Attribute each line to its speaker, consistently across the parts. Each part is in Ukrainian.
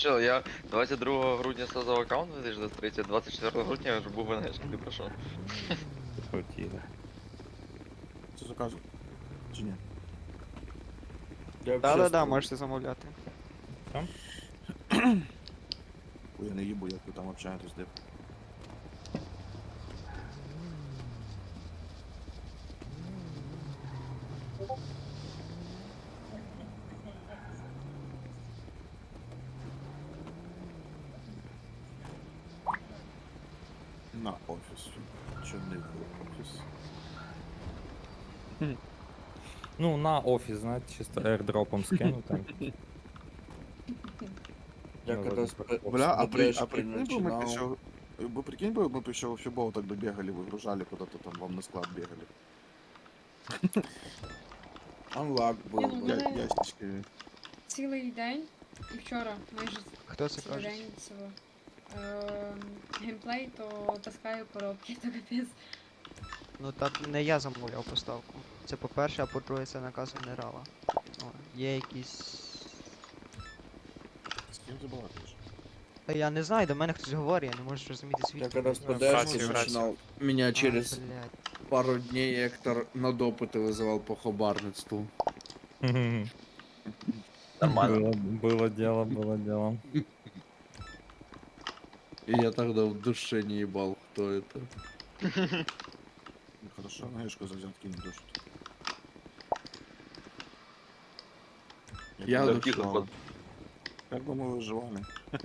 Speaker 1: Чел, я 22 грудня создав аккаунт 2023, 24 грудня я вже був в НГшки, ти про що?
Speaker 2: Хотіли.
Speaker 3: Це заказує? Чи ні?
Speaker 4: Я
Speaker 5: Да, можете замовляти.
Speaker 3: Ой, я не їбу, як ви там общаєтесь, де. На офіс. Чи не в офіс?
Speaker 2: Ну, на офіс, знаєте, чисто airdropом скинути.
Speaker 4: Я
Speaker 2: Ну,
Speaker 4: когда
Speaker 2: вроде как
Speaker 3: Бля, а
Speaker 4: БДшки
Speaker 3: прикинь бы мы
Speaker 4: начинал.
Speaker 3: еще... Вы прикинь бы, мы бы еще в фибол так бы бегали, выгружали куда-то там, вам на склад бегали.
Speaker 4: Анлак был
Speaker 6: ну,
Speaker 4: бы.
Speaker 6: да.
Speaker 3: Ящички.
Speaker 6: Цілий день і вчора майже
Speaker 5: Хто це
Speaker 6: цілий
Speaker 5: каже?
Speaker 6: день цього геймплей, то таскаю коробки, то капець.
Speaker 5: Ну так не я замовляв поставку. Це по-перше, а по-друге, це наказ генерала. О, є якісь.
Speaker 3: С кем ты балакаешь?
Speaker 5: Та я не знаю, до мене хтось говорить, я не можу зрозуміти
Speaker 4: Я
Speaker 5: звідки.
Speaker 4: когда с
Speaker 1: Братья,
Speaker 4: БДшки
Speaker 1: братья.
Speaker 4: начинал, меня через
Speaker 5: Блядь.
Speaker 4: пару дней Эктор на допыты вызывал по хабарництву.
Speaker 1: Нормально.
Speaker 2: Было дело, было дело.
Speaker 4: И я тогда в душе не ебал, кто это.
Speaker 3: Ну, хорошо, знаешь, что за взятки не душат.
Speaker 4: Я
Speaker 3: бы
Speaker 4: душил.
Speaker 3: выживал. Как бы мы выживали?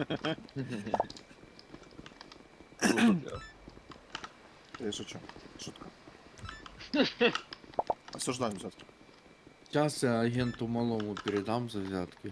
Speaker 3: Я шучу. Шутка. Осуждаю взятки.
Speaker 4: Сейчас я агенту малому передам за взятки.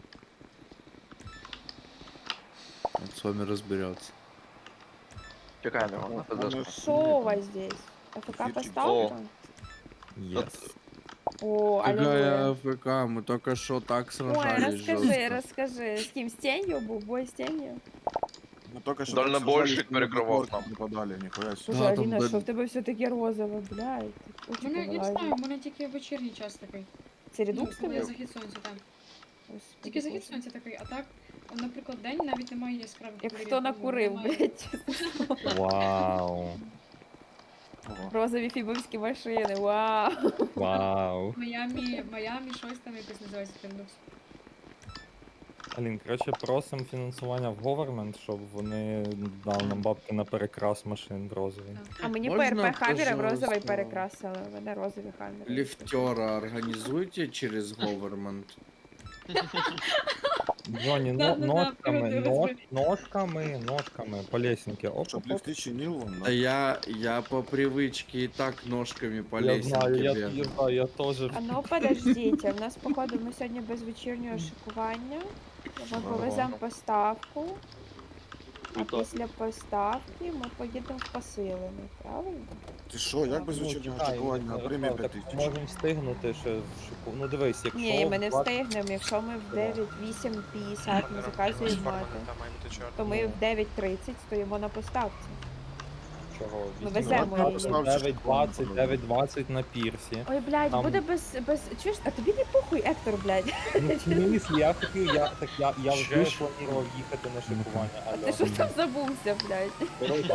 Speaker 4: Он с вами разберется.
Speaker 1: Чекай, не можна подожди.
Speaker 7: Что у вас здесь? АФК
Speaker 3: Эфирчик.
Speaker 7: поставка?
Speaker 2: Yes.
Speaker 7: О,
Speaker 4: Какая
Speaker 7: аллилуйя.
Speaker 4: АФК, мы только что так
Speaker 7: Ой,
Speaker 4: сражались
Speaker 7: расскажи,
Speaker 4: жестко.
Speaker 7: расскажи. С кем? С тенью был? Бой с тенью?
Speaker 3: Мы только что
Speaker 1: Дальнобойщик перекрывал нам.
Speaker 3: Нападали, нихуя себе.
Speaker 7: Слушай,
Speaker 4: Да, там
Speaker 7: Алина,
Speaker 4: да-
Speaker 7: что в тебе все-таки розове, блядь?
Speaker 6: У
Speaker 7: Очі
Speaker 6: мене, я не
Speaker 7: повилазять.
Speaker 6: знаю, у мене тільки вечірній час такий.
Speaker 7: Це
Speaker 6: Ну,
Speaker 7: редукс
Speaker 6: коли
Speaker 7: тобі?
Speaker 6: захід сонця, так.
Speaker 7: Господи,
Speaker 6: Тільки захід
Speaker 7: Боже.
Speaker 6: сонця такий, а так, наприклад, день навіть немає яскравих
Speaker 7: Як
Speaker 6: кольорів,
Speaker 7: хто
Speaker 6: ну,
Speaker 7: накурив,
Speaker 6: немає.
Speaker 7: блядь.
Speaker 2: Вау.
Speaker 3: Ого.
Speaker 7: Розові фібовські машини, вау.
Speaker 2: Вау.
Speaker 6: Майамі, щось там якось називається Фіндукс.
Speaker 2: Алін, коротше, просимо фінансування в government, щоб вони дали нам бабки на перекрас машин в розовий.
Speaker 7: А мені
Speaker 4: Можна,
Speaker 7: ПРП Хаммера в розовий
Speaker 4: пожалуйста,
Speaker 7: перекрасили. У мене розові Хаммери.
Speaker 4: Лифтера организуйте через government.
Speaker 2: Джоні,
Speaker 6: Да-да-да,
Speaker 2: ножками,
Speaker 6: розбери.
Speaker 2: ножками по лесенке. Оп,
Speaker 3: Чтоб
Speaker 2: оп, оп.
Speaker 3: лифты чинил вон,
Speaker 4: Да я по привычке и так ножками по
Speaker 2: Я знаю,
Speaker 4: лесенке
Speaker 2: я
Speaker 4: бегаю.
Speaker 2: знаю, я теж.
Speaker 7: А ну подождіть, у нас походу ми сьогодні без вечірнього шикування. Ми повеземо поставку. А після поставки ми поїдемо в посилений, правильно?
Speaker 3: Ти що, як без
Speaker 2: Ну,
Speaker 3: вечірнього
Speaker 2: чекай,
Speaker 3: очікування
Speaker 2: ну,
Speaker 3: на премію
Speaker 2: так
Speaker 3: 5000?
Speaker 2: можемо встигнути ще в шику. Ну дивись, якщо...
Speaker 7: Ні, ми не
Speaker 2: 20
Speaker 7: встигнемо. Якщо ми в 9:8:50 ми заказуємо мати, то ми в 9:30 стоїмо на поставці.
Speaker 2: Чого?
Speaker 7: Ми
Speaker 2: 8:20,
Speaker 7: веземо її.
Speaker 2: 9:20 на пірсі.
Speaker 7: Ой, блядь,
Speaker 2: Там-
Speaker 7: буде без. Чуєш, а тобі не похуй, Ектор, блядь.
Speaker 2: Ну, в смислі, я хотів, я вже
Speaker 4: Чуєш?
Speaker 2: планував їхати на шикування.
Speaker 7: А ти що там забувся, блядь?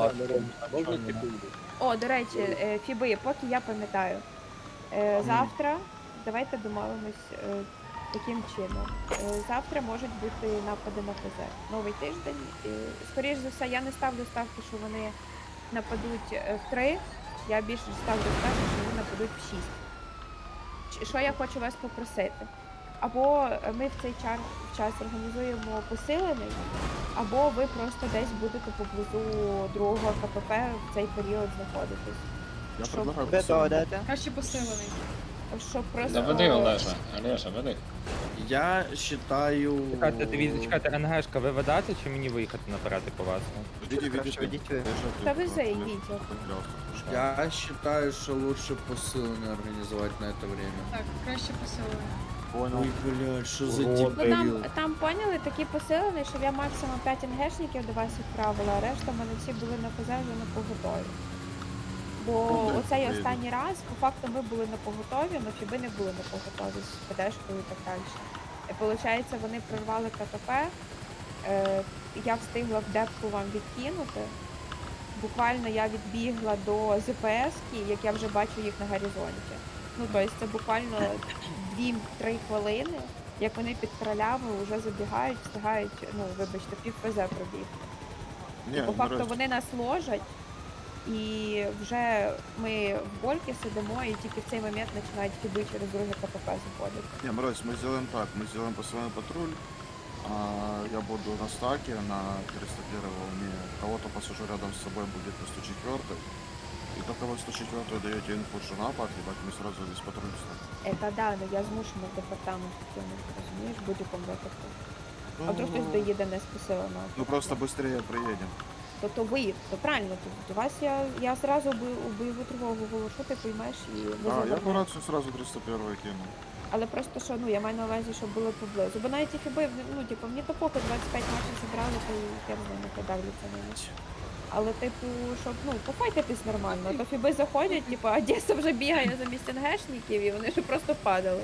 Speaker 7: О, до речі, Фіби, поки я пам'ятаю. Завтра, давайте домовимось таким чином. Завтра можуть бути напади на ФЗ. Новий тиждень. Скоріш за все, я не ставлю ставки, що вони нападуть в 3. Я більше ставлю ставки, що вони нападуть в 6. Що я хочу вас попросити? Або ми в цей час організуємо посилений, або ви просто десь будете поблизу другого КПП в цей період знаходитись.
Speaker 3: Я
Speaker 7: Щоб-
Speaker 3: предлагаю
Speaker 5: Де то,
Speaker 3: посилення.
Speaker 5: де?
Speaker 6: Краще посилений.
Speaker 7: Щоб просто...
Speaker 8: Заведи, Олеша. Олеша, веди.
Speaker 4: Я считаю...
Speaker 2: Чекайте, дивіться, чекайте, НГшка, ви ведете чи мені виїхати наперед і повезти?
Speaker 3: Ведіть,
Speaker 5: Краще ведіть ви.
Speaker 7: Та вези, йдіть.
Speaker 4: Я считаю, что лучше посыльно организовать на это время.
Speaker 6: Так, краще посилений.
Speaker 3: Понял.
Speaker 4: Ой, блядь, что за
Speaker 2: Урод.
Speaker 7: Ну
Speaker 4: дебил.
Speaker 7: там поняли, такий посилений, що я максимум 5 НГшників до вас відправила, а решта в мене всі були на ФЗ вже на поготові. Бо
Speaker 3: Ну,
Speaker 7: оцей
Speaker 3: так,
Speaker 7: останній раз, по факту, ми були на поготові, але Фіби не були на поготові з ПДшкою і так далі. І виходить, вони прорвали КТП, Я встигла в депку вам відкинути. Буквально я відбігла до ЗПС-ки, як я вже бачу їх на горизонті. Ну, тобто це буквально 2-3 хвилини, як вони під кралями вже забігають, встигають, ну, вибачте, пів ПЗ пробігти.
Speaker 3: Не,
Speaker 7: По факту
Speaker 3: Мирось,
Speaker 7: вони нас ложать, і вже ми в больки сидимо, і тільки в цей момент починають фіби через друге КПП заходити.
Speaker 3: не, Мирось, мы сделаем так, мы сделаем постоянный патруль, я буду на стаке на 301 волне, кого-то посажу рядом с собой будет на 104, и только вы 104 даете инфу, что напад, ебать, мы сразу весь патруль встанем.
Speaker 7: Це да, ну я змушена в департамент кинути, розумієш, в будь-якому випадку. А
Speaker 3: Ну,
Speaker 7: вдруг хтось доїде не з посилено.
Speaker 3: Ну просто быстрее приедем.
Speaker 7: То ви, то правильно, то вас я зразу у бойову тривогу оголошу, ти поймеш і ви
Speaker 3: Я по
Speaker 7: завернете.
Speaker 3: рацию сразу 301 кину.
Speaker 7: Але просто що, ну я маю на увазі, щоб були поблизу. Бо навіть і фіби, ну типу, мені то поки 25 матчів зібрали, то і я не знаю, не подавляться на ніч. Але типу, щоб, ну, пофайтитись нормально, то фіби заходять, типу, а Одеса вже бігає замість НГшників, і вони ж просто падали.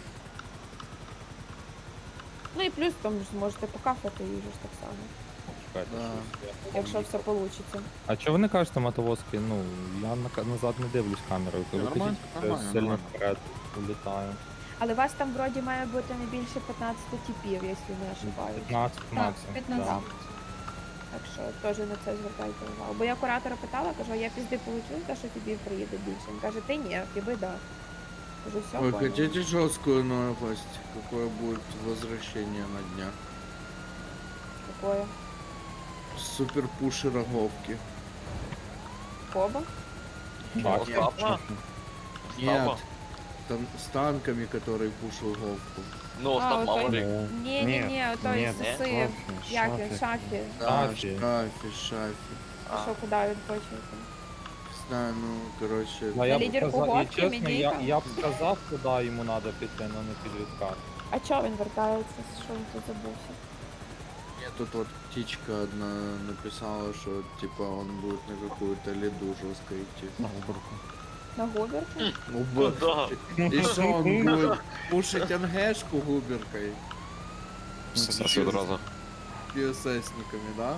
Speaker 7: Ну і плюс там ж зможете покафати їжу ж так само,
Speaker 2: Чекайте,
Speaker 4: Да.
Speaker 2: щось я
Speaker 7: якщо все вийде.
Speaker 2: А чого ви не кажете мотовозки? Ну, я назад не дивлюсь камерою, коли
Speaker 3: Нормально,
Speaker 2: кажіть, що я
Speaker 3: нормально,
Speaker 2: сильно
Speaker 3: нормально.
Speaker 2: вперед улітаю.
Speaker 7: Але вас там вроді має бути не більше 15 типів, якщо не ошибаюсь.
Speaker 2: 15
Speaker 6: Так,
Speaker 2: максимум.
Speaker 6: 15.
Speaker 2: да.
Speaker 7: Так що теж на це звертайте увагу. Бо я куратора питала, кажу, а я пізди получу, те, що фібів приїде більше. Він каже, ти ні, фіби да. Кажу, все,
Speaker 4: Вы
Speaker 7: понял.
Speaker 4: хотите жесткую новость? Какое будет возвращение на дня?
Speaker 7: Какое?
Speaker 4: Супер пуши роговки.
Speaker 7: Коба?
Speaker 2: Так,
Speaker 1: Остапа?
Speaker 4: Нет,
Speaker 1: Остапа?
Speaker 4: там с танками, который пушил говку.
Speaker 1: Ну, Остап
Speaker 7: ой,
Speaker 1: Маврик.
Speaker 7: Ні, той
Speaker 1: ні,
Speaker 7: сиси, як він, шафі.
Speaker 4: Да,
Speaker 2: Шафи.
Speaker 4: шафи.
Speaker 7: А що, куди він хоче? йти?
Speaker 4: Знаю, ну, короче.
Speaker 2: Ну, я б
Speaker 7: лідерку
Speaker 2: сказав, і
Speaker 7: Говки,
Speaker 2: чесно, я
Speaker 7: Медійка?
Speaker 2: б сказав, куди йому треба піти, але не під відкат.
Speaker 7: А чого він вертається? Що він тут забувся?
Speaker 4: Мне тут вот птичка одна написала, что типа он будет на какую-то леду жестко идти.
Speaker 7: На губерку?
Speaker 4: Ну,
Speaker 1: Куда?
Speaker 4: и что он будет пушить НГшку губеркой?
Speaker 8: Все одразу.
Speaker 4: ПССниками, да?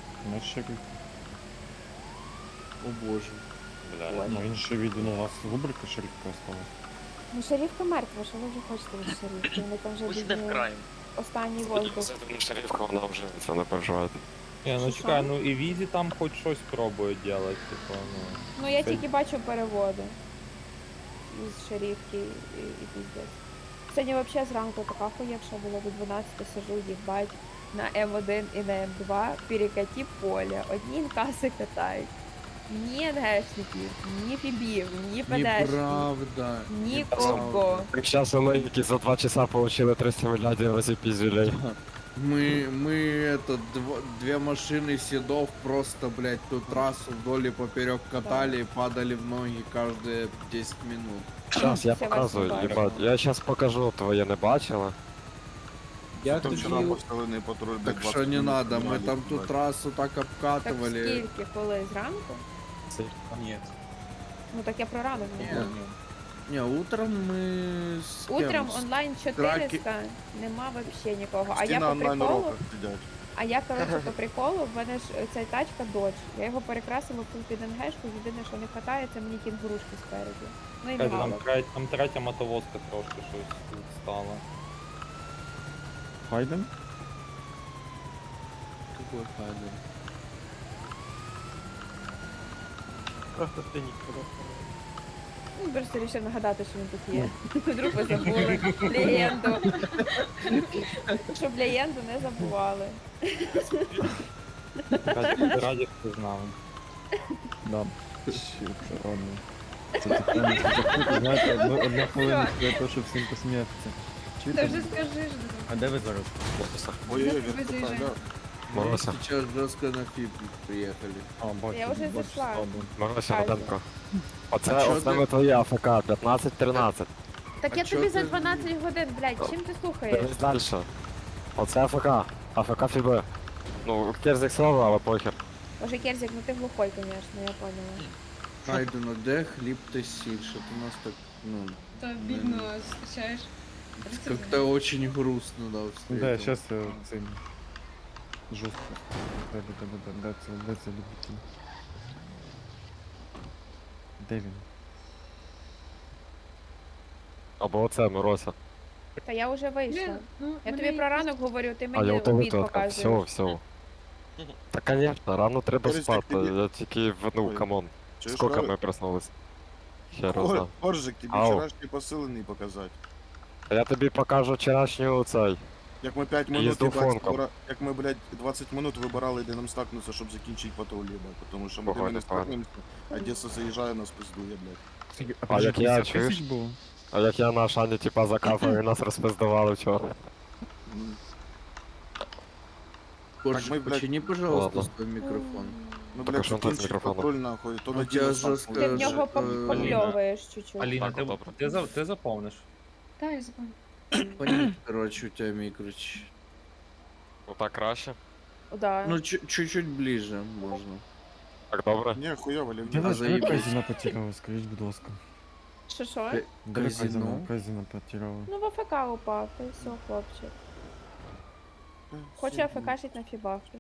Speaker 4: О боже.
Speaker 9: Ну він ще від у нас рубрика шерифка осталась.
Speaker 7: Ну, шерифка мертва, що ви вже хочете від шерифки? Вони там вже
Speaker 1: Пусть йде в
Speaker 7: бідні
Speaker 1: крайм.
Speaker 7: останній воздух.
Speaker 8: Шерифка, вона вже це не переживає.
Speaker 2: Ні, ну
Speaker 7: Що?
Speaker 2: чекай, ну і Візі там хоч щось пробують робити, типу, ну.
Speaker 7: Ну, я
Speaker 2: Це-
Speaker 7: тільки бачу переводи із шерифки і піздець. Сьогодні взагалі зранку така хуєвша була, до 12 сижу, їбать, на М1 і на М2 перекаті поля. Одні інкаси катають. Ні НГшників, ні фібів, ні ПДшників,
Speaker 4: Неправда.
Speaker 7: нікого.
Speaker 8: Так зараз вони, які за 2 часа получили 300 мільярдів разів піздюлей.
Speaker 4: Мы это, две машины седов просто, блядь, ту трассу вдоль и поперек катали и падали в ноги каждые 10 минут.
Speaker 8: Зараз я
Speaker 7: Це
Speaker 8: показую,
Speaker 7: вас не
Speaker 8: їбать. Я зараз покажу, твоє не бачила.
Speaker 4: Я
Speaker 3: Там вчера
Speaker 4: тоді...
Speaker 3: поставленный патруль.
Speaker 4: Так что не надо, мы там ту трассу так
Speaker 7: Так
Speaker 4: обкатывали.
Speaker 7: скільки, коли зранку?
Speaker 9: Ні.
Speaker 7: Ну так я про ранок не
Speaker 4: Ні.
Speaker 7: знаю.
Speaker 4: Не, утром мы с кем?
Speaker 7: Утром
Speaker 4: С-
Speaker 7: онлайн 400, нема вообще нікого. А я
Speaker 3: Все на
Speaker 7: по
Speaker 3: онлайн
Speaker 7: приколу,
Speaker 3: уроках сидят.
Speaker 7: а я, коротше, по приколу, в мене ж ця тачка Dodge. Я його перекрасила в під НГшку, єдине, що не хватає, це мені кінгурушки спереду. Ну і
Speaker 2: Чекайте, там,
Speaker 7: мало.
Speaker 2: там третя мотовозка трошки щось тут стала.
Speaker 9: Хайден?
Speaker 4: Какой Хайден?
Speaker 7: Ну, просто вирішив нагадати, що він тут є. Вдруг ви забули легенду. Щоб легенду не забували.
Speaker 2: Раді, хто знав.
Speaker 9: Да. Ще це ладно. Це таке, знаєте, одна хвилина для того, щоб всім посміятися.
Speaker 6: Та
Speaker 9: Чуєте?
Speaker 6: вже скажи ж.
Speaker 9: А де ви зараз?
Speaker 3: Ой-ой-ой,
Speaker 6: Вы
Speaker 3: вертикаль,
Speaker 6: заезжаете.
Speaker 3: да.
Speaker 4: Мы
Speaker 8: Морося.
Speaker 4: сейчас жестко на ФИП приехали.
Speaker 9: А, бачу,
Speaker 7: Я вже
Speaker 9: бачу,
Speaker 7: зайшла.
Speaker 9: стадо.
Speaker 8: Морося,
Speaker 7: Ай.
Speaker 8: Роденко. Оце
Speaker 4: А чо
Speaker 8: основне
Speaker 4: ти-
Speaker 8: твоє АФК, 15-13.
Speaker 7: Так
Speaker 4: А
Speaker 7: я
Speaker 4: чо
Speaker 7: тобі за
Speaker 4: ти-
Speaker 7: 12 годин, блядь, чим ти слухаєш?
Speaker 8: Дивись далі. Оце АФК. АФК Фіби. Ну, керзик слава, але похер.
Speaker 7: Боже, Керзик, ну ти глухой, конечно, я поняла.
Speaker 4: Хайден, а де хліб та сіль? Що ти нас так, ну,
Speaker 6: То бідно зустрічаєш.
Speaker 4: как-то очень грустно, да,
Speaker 9: Да,
Speaker 4: встретил.
Speaker 9: зараз цим. Жорстко. Де це любитель? Де він?
Speaker 8: Або оце, Мирося.
Speaker 7: Та я вже вийшла.
Speaker 6: Блін, ну,
Speaker 7: Я
Speaker 6: мене
Speaker 7: тобі про
Speaker 6: якось-
Speaker 7: ранок говорю, ти
Speaker 8: А
Speaker 7: мені
Speaker 8: я у тебе
Speaker 7: обід
Speaker 8: тут.
Speaker 7: показуєш.
Speaker 8: Все. Та конечно, рано треба
Speaker 3: Борис,
Speaker 8: спати.
Speaker 3: так тобі-
Speaker 8: Я тільки ну,
Speaker 3: Ой,
Speaker 8: камон.
Speaker 3: Чуєш,
Speaker 8: Скільки ми проснулись? Хер знав.
Speaker 3: Коржик, тобі
Speaker 8: Ау.
Speaker 3: вчорашні посилений показати.
Speaker 8: А я тобі покажу вчорашню цей.
Speaker 3: Як ми 5 минут,
Speaker 8: Їзду
Speaker 3: їбать,
Speaker 8: фонком.
Speaker 3: як ми, блядь, 20 минут вибирали, де нам стакнутися, щоб закінчити патруль, їбать. Тому що ми де
Speaker 8: Погано,
Speaker 3: не
Speaker 8: погано.
Speaker 3: стакнемося, Одеса заїжджає, нас пиздує, блядь.
Speaker 8: А як я,
Speaker 9: 50
Speaker 8: чуєш?
Speaker 9: тисяч було?
Speaker 8: А як я на Шані типа закапав і нас розпиздували вчора.
Speaker 3: М.
Speaker 4: Корж,
Speaker 3: мы, блядь,
Speaker 4: почини, пожалуйста,
Speaker 8: ладно.
Speaker 4: свой микрофон.
Speaker 3: Ну,
Speaker 8: Так, а
Speaker 3: блядь,
Speaker 8: що там з
Speaker 3: закінчить
Speaker 8: мікрофоном?
Speaker 3: патруль, нахуй, то
Speaker 4: Ну,
Speaker 3: на
Speaker 4: тебя
Speaker 3: діло
Speaker 4: жорстко
Speaker 7: Ти в нього
Speaker 4: Аліна.
Speaker 7: попльовуєш чуть-чуть.
Speaker 2: Аліна,
Speaker 8: Так, добре.
Speaker 2: ти заповниш?
Speaker 6: Та, я запам'ятала.
Speaker 4: Понять, короче, у тебя микроч.
Speaker 8: Ну так краще.
Speaker 7: Да.
Speaker 4: Ну, чуть-чуть ближе можно.
Speaker 8: Так добре.
Speaker 3: Ні, хуйово, Лев.
Speaker 9: Де ви
Speaker 4: заїбись.
Speaker 9: Казіна потеряли, скажіть, будь ласка.
Speaker 7: Що?
Speaker 9: Де ви
Speaker 4: Казіно?
Speaker 9: Казіна потеряли?
Speaker 7: Ну в АФК упав, та й все, хлопчик. Хочу АФКшить на фібах.